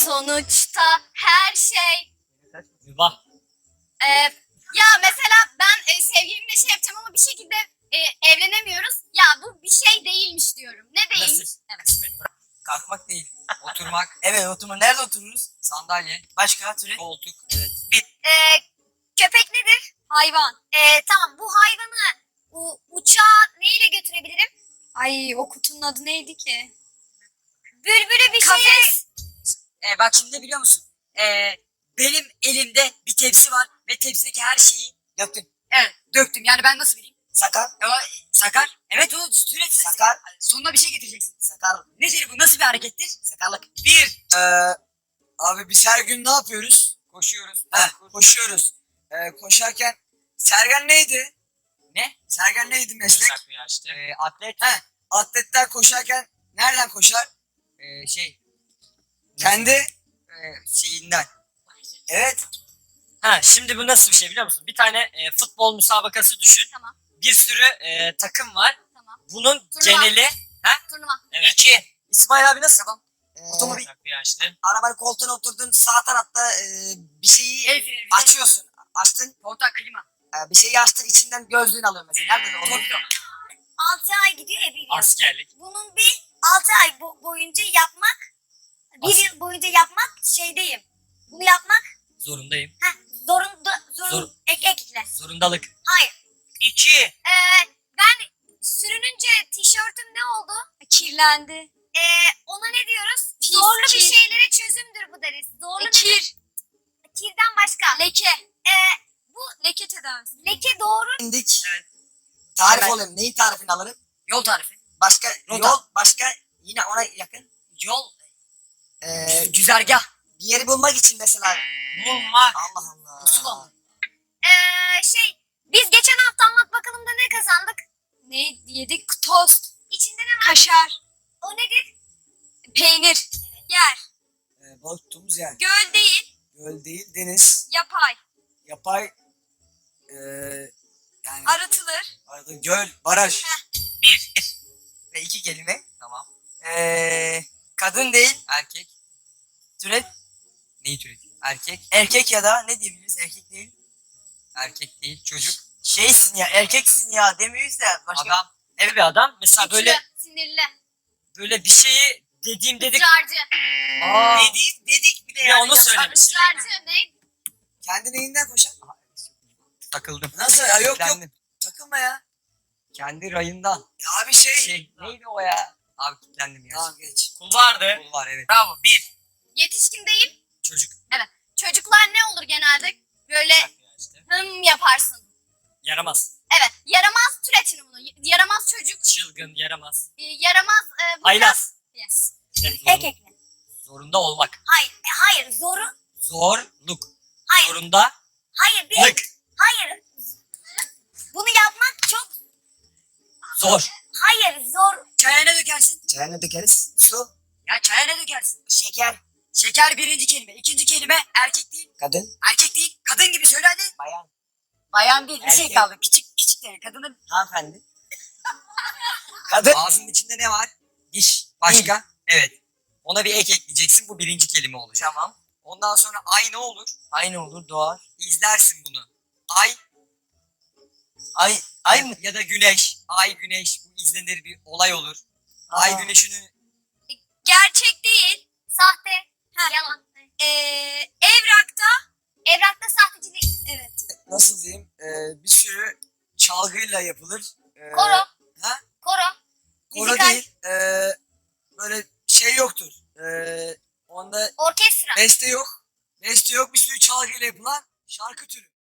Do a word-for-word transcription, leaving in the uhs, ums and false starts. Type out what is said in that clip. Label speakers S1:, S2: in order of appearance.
S1: Sonuçta her şey.
S2: Mübah.
S1: Ee, ya mesela ben e, sevgilimle şey yapacağım ama bir şekilde e, evlenemiyoruz. Ya bu bir şey değilmiş diyorum. Ne değilmiş?
S2: Nasip.
S1: Evet.
S2: Kısmet.
S3: Kalkmak değil. Oturmak. Evet, oturma. Nerede otururuz?
S2: Sandalye.
S3: Başka türe?
S2: Koltuk. Evet.
S1: Ee, köpek nedir? Hayvan. Ee, tamam, bu hayvanı u, uçağa neyle götürebilirim? Ay, o kutunun adı neydi ki? Bülbülü bir şey.
S3: Kafes. Ee, bak şimdi ne biliyor musun? Ee, benim elimde bir tepsi var ve tepsideki her şeyi döktüm. Evet, döktüm. Yani ben nasıl bileyim? Sakar. E, o, sakar. Evet, o sürekli sakar. Sonuna bir şey getireceksin. Sakar. Nedir bu? Nasıl bir harekettir? Sakarlık. Bir. Ee, abi biz her gün ne yapıyoruz? Koşuyoruz. Heh, koşuyoruz. Ee, koşarken Sergen neydi? Ne? Sergen neydi meslek?
S2: Yasak bir yaşta.
S3: Ee, atlet. He. Atletler koşarken nereden koşar? Ee, şey. Kendi e, şeyinden. Evet.
S2: Ha, şimdi bu nasıl bir şey biliyor musun? Bir tane e, futbol müsabakası düşün.
S1: Tamam.
S2: Bir sürü e, takım var.
S1: Tamam.
S2: Bunun
S1: Turnuva.
S2: geneli. Ha?
S1: Turnuva.
S2: Evet.
S3: İki. İsmail abi nasıl? Tamam. Otomobil.
S2: Yasak bir yaşta.
S3: Arabanın koltuğuna oturdun, sağ tarafta e, bir şeyi açıyorsun. Açtın. Kontak klima. E, bir şeyi açtın, içinden gözlüğünü alıyor mesela. Nerede o? Torpido.
S1: altı ay gidiyor ya bir yıl.
S2: Askerlik.
S1: Bunun bir altı ay bo- boyunca yapmak, bir
S2: As-
S1: yıl boyunca yapmak şeydeyim. Bunu yapmak
S2: Zorundayım.
S1: heh, zorunda, zorun,
S2: Zor-
S1: ek, ekle.
S2: Zorundalık.
S1: Hayır.
S3: İki.
S1: Ee, ben sürününce tişörtüm ne oldu? Kirlendi. Ee, ona ne diyoruz?
S4: Pis,
S1: Zorlu bir
S4: kir.
S1: şeylere çözümdür bu deriz. Zorlu
S4: E,
S1: nedir?
S4: kir,
S1: Kirden başka.
S4: leke,
S1: Ee,
S4: leke tedavisi.
S1: leke doğru.
S3: İndik. Tarif
S2: Evet.
S3: olayım. Neyin tarifini alırım?
S2: Yol tarifi.
S3: Başka
S2: Rota.
S3: yol, başka yine ona yakın.
S2: Yol.
S3: Ee,
S2: Güzergah.
S3: bir yeri bulmak için mesela.
S2: Bulmak.
S3: Allah Allah.
S2: Pusula mı?
S1: Ee, şey, biz geçen hafta anlat bakalım da ne kazandık?
S4: Ne yedik? Tost,
S1: İçinde ne var?
S4: kaşar,
S1: O nedir?
S4: peynir, yer,
S3: Ee, balık tuttuğumuz yer.
S4: göl değil,
S3: Göl değil, deniz.
S4: yapay,
S3: Yapay. Ee, yani
S4: arıtılır,
S3: arada göl, baraj.
S2: Bir.
S3: Ve iki kelime.
S2: Tamam.
S3: Ee, kadın değil.
S2: Erkek.
S3: Türet.
S2: Neyi türetiyor? Erkek.
S3: Erkek ya da ne diyebiliriz? Erkek değil.
S2: Erkek değil. Çocuk.
S3: Şeysin ya, erkeksin ya demiyoruz da. Başka...
S2: Adam. Evet bir adam. Mesela böyle
S1: Güçlü, sinirli,
S2: böyle bir şeyi dediğim dedik.
S1: ısrarcı.
S2: Aa.
S3: Dedik, dedik bile
S2: Bir
S3: yani.
S2: onu
S3: Nasıl-
S2: söylemişsin.
S1: Israrcı ne?
S3: Kendi neyinden koşar?
S2: Takıldım.
S3: Nasıl ya? Yok yok.
S2: Kilitlendim.
S3: Takılma ya.
S2: Kendi rayından.
S3: Ya abi şey.
S2: Şey neydi o ya? Abi kilitlendim ya.
S3: Tamam geç.
S2: Kul vardı. Kul var evet. Bravo. Bir.
S1: Yetişkin değil.
S2: Çocuk.
S1: Çocuklar ne olur genelde? Böyle
S2: İşte.
S1: hım yaparsın.
S2: Yaramaz.
S1: Evet, yaramaz türetin bunu. Y- Yaramaz çocuk,
S2: Çılgın, yaramaz.
S1: e, yaramaz... E, bu
S2: Haylaz.
S1: biraz- Yes.
S2: Şey,
S1: Ek
S2: zorun-
S1: ekle.
S2: zorunda olmak.
S1: Hayır, e, hayır, zoru...
S2: Zorluk.
S1: Hayır,
S2: Zorunda.
S1: hayır, bir...
S2: Lık.
S1: Hayır. Bunu yapmak çok...
S2: Zor.
S1: Hayır, zor...
S3: Çaya ne dökersin? Çaya ne dökeriz? Su.
S2: Ya çaya ne dökersin?
S3: Şeker.
S2: Şeker birinci kelime. İkinci kelime erkek değil.
S3: Kadın.
S2: Erkek değil. Kadın gibi söyle hadi.
S3: Bayan.
S2: Bayan değil. Bir şey
S3: Erkek.
S2: kaldı. Küçük küçük de kadının.
S3: Hanımefendi. Kadın.
S2: Ağzının içinde ne var? Diş. Başka? Evet. Ona bir ek ekleyeceksin. Bu birinci kelime olacak.
S3: Tamam.
S2: Ondan sonra ay ne olur?
S3: Aynı olur doğar.
S2: İzlersin bunu. Ay.
S3: Ay. Ay mı?
S2: Ya da güneş. Ay güneş. Bu izlenir bir olay olur. Ay
S3: Aa.
S2: güneşinin
S4: gerçek değil,
S1: Sahte,
S4: Ha.
S1: yalan.
S4: ee, evrakta,
S1: Evrakta sahtecilik.
S4: evet,
S3: Nasıl diyeyim? Ee, bir sürü çalgıyla yapılır. Ee,
S1: Koro.
S3: Ha?
S1: Koro.
S3: Koro
S1: Müzikal.
S3: değil. Ee, böyle şey yoktur. Ee, onda
S1: Orkestra.
S3: beste yok. Beste yok. Bir sürü çalgıyla yapılan şarkı türü.